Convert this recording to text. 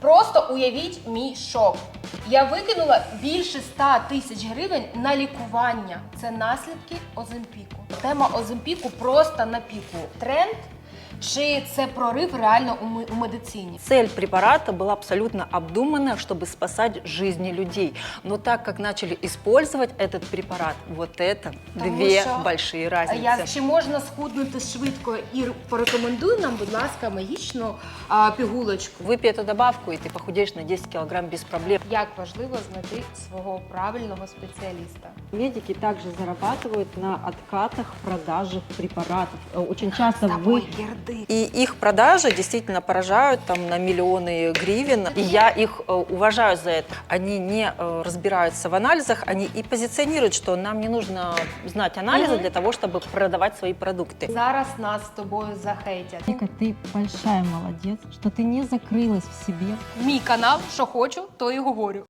Просто уявіть мій шок. Я викинула більше 100 тисяч гривень на лікування. Це наслідки Оземпіку. Тема Оземпіку просто на піку. Тренд чи це прорив реально у медицині? Цель препарата была абсолютно обдуманная, чтобы спасать жизни людей. Но так как начали использовать этот препарат, вот это две большие разницы. Чи можна схуднути швидко? І порекомендуй нам, будь ласка, магічну пігулочку. Выпей эту добавку, и ты похудеешь на 10 килограмм без проблем. Як важливо знайти свого правильного спеціаліста? Медики также зарабатывают на откатах продажи препаратов. Очень часто Герди. И их продажи действительно поражают там на миллионы гривен. И я их уважаю за это. Они не разбираются в анализах, они и позиционируют, что нам не нужно знать анализы для того, чтобы продавать свои продукты. Зараз нас з тобою захейтять. Вика, ты большая молодец, что ты не закрылась в себе. Мій канал, що хочу, то і говорю.